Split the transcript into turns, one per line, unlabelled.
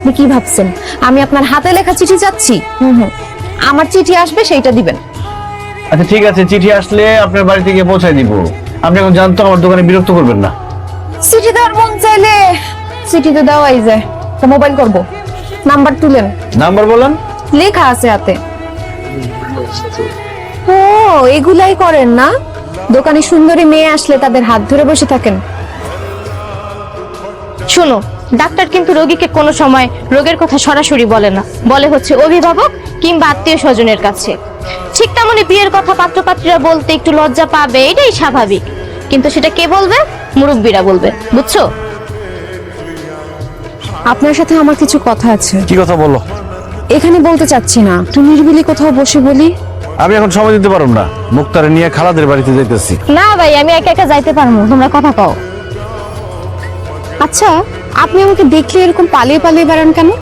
আপনি কি ভাবছেন আমি আপনার হাতে লেখা চিঠি চাচ্ছি? আমার চিঠি আসবে সেইটা দিবেন।
আচ্ছা ঠিক আছে, চিঠি আসলে আপনার বাড়িতে গিয়ে পৌঁছায় দিব। আপনি এখন জানতো আমার দোকানে বিরক্ত করবেন না।
চিঠি দেওয়ার মন চাইলে চিঠি তো দেওয়াই যায়। তো মোবাইল করব, নাম্বার তুলেন।
নাম্বার বলেন।
লেখা আছে হাতে। ও এগুলাই করেন না? দোকানে সুন্দরী মেয়ে আসলে তাদের হাত ধরে বসে থাকেন।
শোনো, ডাক্তার কিন্তু রোগীকে কোনো সময় রোগের কথা সরাসরি বলে না, বলে হচ্ছে অভিভাবক কিংবা আত্মীয় স্বজনের কাছে। ঠিক তেমনি বিয়ের কথা পাত্রপাত্রীরা বলতে একটু লজ্জা পাবে, এটাই স্বাভাবিক। কিন্তু সেটা কে বলবে? মুরব্বীরা বলবে, বুঝছো?
আপনার সাথে আমার কিছু কথা আছে।
কি কথা বলো?
এখানে বলতে চাচ্ছি না, তুমি নিরিবিলি কোথাও বসে বলি।
আমি এখন সময় দিতে পারব না, মুক্তারে নিয়ে খালাদের বাড়িতে যাইতেছি।
না ভাই, আমি একা একা যাইতে পারবো, তোমরা কথা কও।
আচ্ছা, আপনি আমাকে দেখলে এরকম পালিয়ে পালিয়ে বেড়ান কেন?